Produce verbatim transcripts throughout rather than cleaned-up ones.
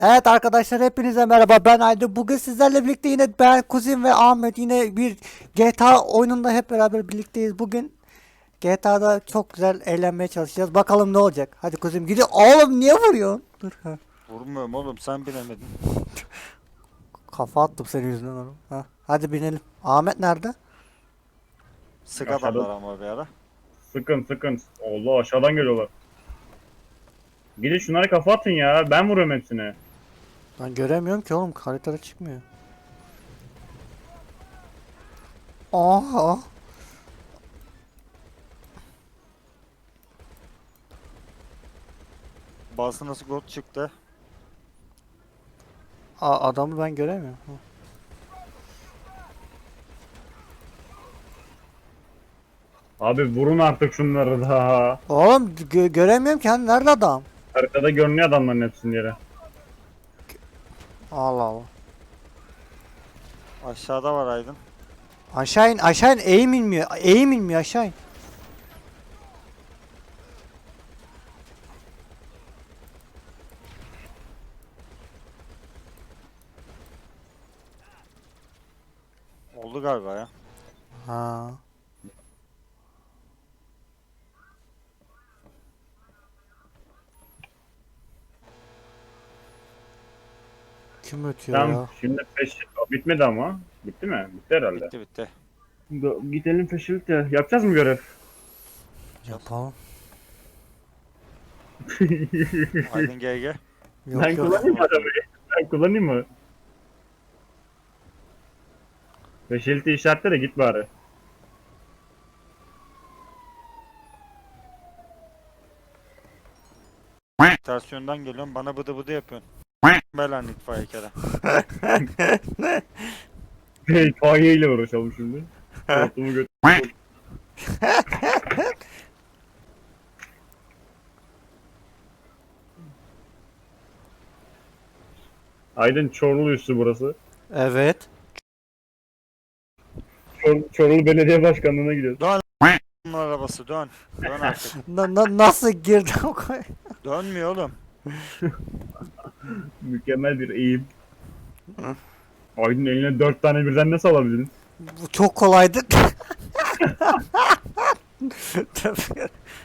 Evet arkadaşlar hepinize merhaba, ben Aydın. Bugün sizlerle birlikte yine ben, Kuzim ve Ahmet yine bir G T A oyununda hep beraber birlikteyiz. Bugün G T A'da çok güzel eğlenmeye çalışacağız. Bakalım ne olacak. Hadi Kuzim gidiyor. Oğlum niye vuruyorsun? Dur. Ha. Vurmuyorum oğlum, sen bilemedin. Kafa attım senin yüzünden oğlum. Ha. Hadi binelim. Ahmet nerede? Sık Aşağıda adamlar ama bir ara. sıkın sıkın. Allah aşağıdan geliyorlar. Gidin şunlara kafa atın ya. Ben vuruyorum hepsini. Ben göremiyorum ki oğlum, haritada çıkmıyor. Aha. Bazı nasıl gol çıktı. Aa, adamı ben göremiyorum. Ha. Abi vurun artık şunları da. Oğlum gö- göremiyorum ki, hani nerede adam? Haritada görünüyor adamların hepsinin yeri. Allah Allah. Aşağıda var Aydın. Aşağı in, aşağı in, eğim inmiyor. Eğim inmiyor, aşağı in. Oldu galiba ya. Ha. Kim ötüyor Tamam ya? şimdi peş... Bitmedi ama. Bitti mi? Bitti herhalde. Bitti bitti. Go- Gidelim peşilikte. Yapacağız mı görev? Yapalım. Aydın G G. Yok Ben yok. kullanayım mı arabayı? Ben kullanayım mı? Peşilikte işaretle de git bari. Ters yönden geliyorum, bana bıdı bıdı yapıyorsun. Belan itfaiye kere. Hikaye ile uğraşalım şimdi. Hortumu götür. Aydın Çorlu üssü burası. Evet. Çor Çorlu Belediye Başkanlığı'na gidiyoruz. Dön. Bunun arabası dön. Dön artık. Na- na- nasıl girdi o koy? Dönmüyor oğlum. Mükemmel bir eğim. Aydın eline dört tane birden nasıl alabildin? Bu çok kolaydı. Tabii.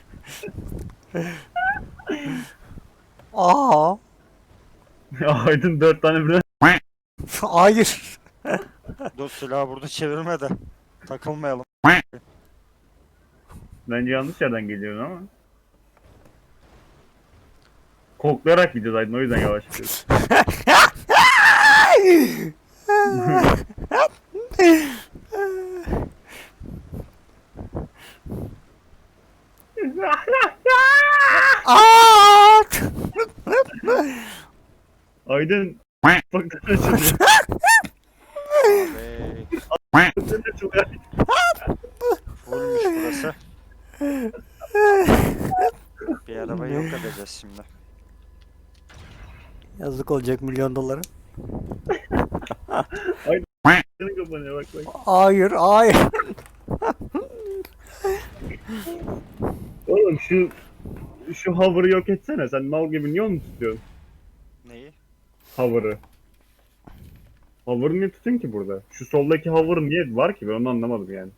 Aa, Aydın dört tane birden. hayır. Dur, silahı burada çevirme de. Takılmayalım. Bence yanlış yerden geliyorsun ama. Koklayarak gideceğiz Aydın, o yüzden yavaş gidiyoruz. Aa! Aydın bak açılıyor. Abi. Açılıyor. Fullmüş burası. Bir arabayı yok edeceğiz şimdi. Yazık olacak milyon dolara. Senin kapanıyor bak bak. Hayır, hayır. Oğlum şu şu hover'ı yok etsene. Sen mal gibi niye onu tutuyorsun? Neyi? Hover'ı. Hover'ı niye tutun ki burada? Şu soldaki hover niye var ki? Ben onu anlamadım yani.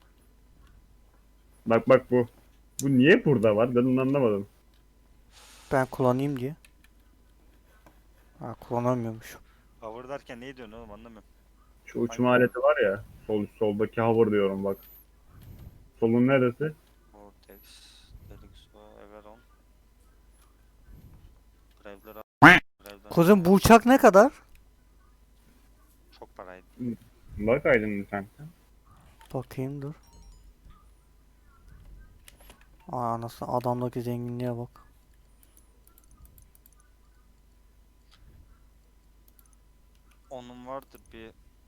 Bak bak bu. Bu niye burada var? Ben onu anlamadım. Ben kullanayım diye. Ha, kullanamıyormuşum. Cover derken neyi diyorsun oğlum, anlamıyorum. Şu uçma aleti var ya. Sol soldaki hover diyorum bak. Solun neresi? Vortex, Delixo, Everon. Grave'ler Grave'ler Kuzum, bu uçak ne kadar? çok paraydı. Bak Aydın sen. Bakayım dur. Aa, nasıl adamdaki zenginliğe bak. Onun vardır bir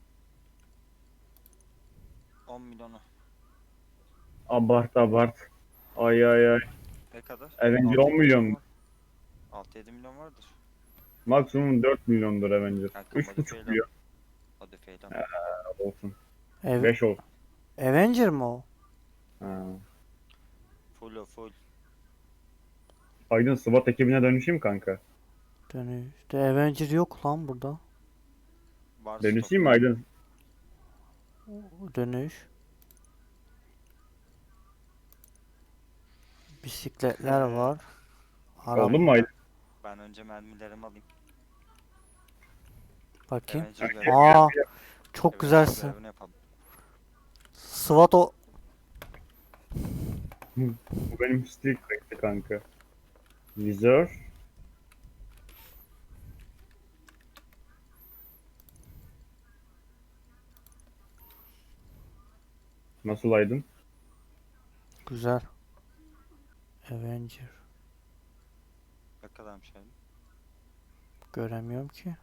on milyonu. Abart abart. Ay ay ay. Ne kadar? Avenger altı on milyon. altı yedi milyon vardır. Maksimum dört milyondur Avenger. Kanka, üç buçuk modifiyeyle. milyon Modifiyeyle. olsun. Ev beş olsun. Avenger mi o? Ha. Full o full. Aydın SWAT ekibine dönüşeyim kanka. Dönüşte Avenger yok lan burada. Var Dönüşeyim mi Aydın? Dönüş. Bisikletler var. Araba. Oldu mu Aydın? Ben önce mermilerimi alayım. Bakayım. Avenger Gel, görevini, Aa, gel. çok Avenger güzelsin. görevini yapalım. SWAT o. Bu benim stick bekle kanka. Vizör. Nasıl Aydın? Güzel. Avenger. Ne kadarmış yani? Göremiyorum ki.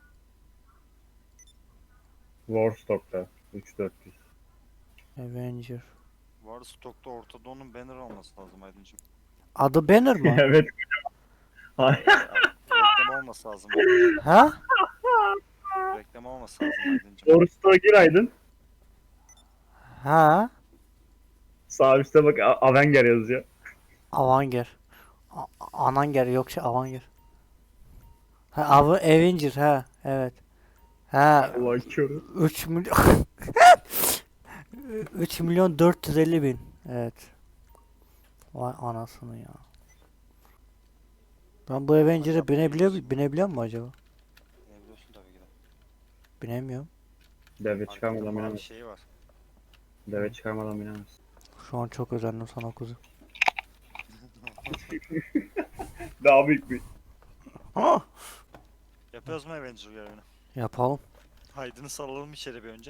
Warstock'ta. üç bin dört yüz. Avenger. Var stokta ortada onun banner olması lazım Aydıncım. Adı Banner mı? Evet. Ay- Reklam olması lazım. Ha? Reklam olması lazım Aydıncım. Warstock'a gir Aydın. Ha? Sağ üstte bak A- Avenger yazıyor. Avanger. A- Ananger yok şey Avanger. Ha Av Avenger ha evet. Ha Allah körü. üç milyon üç milyon dört yüz elli bin. Evet. Vay anasını ya. Ben bu Avenger'e binebiliyor binebiliyor mu acaba? Ne biliyorsun tabii ki de. Binemiyorum. Deve Arkada çıkarmadan mavi binemez. şeyi var. Deve çıkarmadan binemez. Şu an çok özendim sana kuzu. Daha büyük bir. Ha! Yapıyoruz mu Avenger görevini? Yapalım. Haydını salalım içeri bir önce.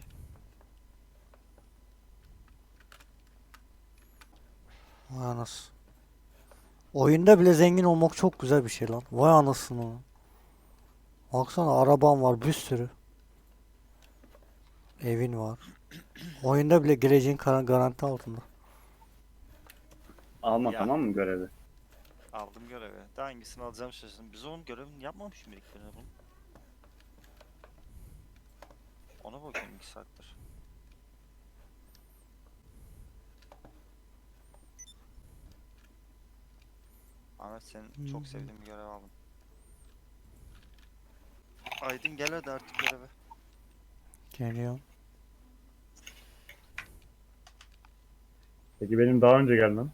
Vay anası. Oyunda bile zengin olmak çok güzel bir şey lan. Vay anasını. Baksana araban var bir sürü. Evin var. Oyunda bile geleceğin kar- garanti altında. Alma Ya. tamam mı görevi? Aldım görevi. Daha hangisini alacağım şaşırdım. Biz onun görevini yapmamış mıydık böyle bunu? Ona bakıyorum iki saattir. Ahmet senin çok sevdiğim bir görev aldım. Aydın gel hadi artık göreve. Geliyorum. Peki benim daha önce gelmem.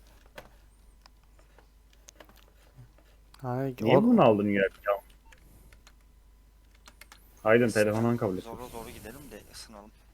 Hayır, Niye o- bunu aldın ya? Aydın Isın- telefondan kabul et. Zora doğru gidelim de ısınalım.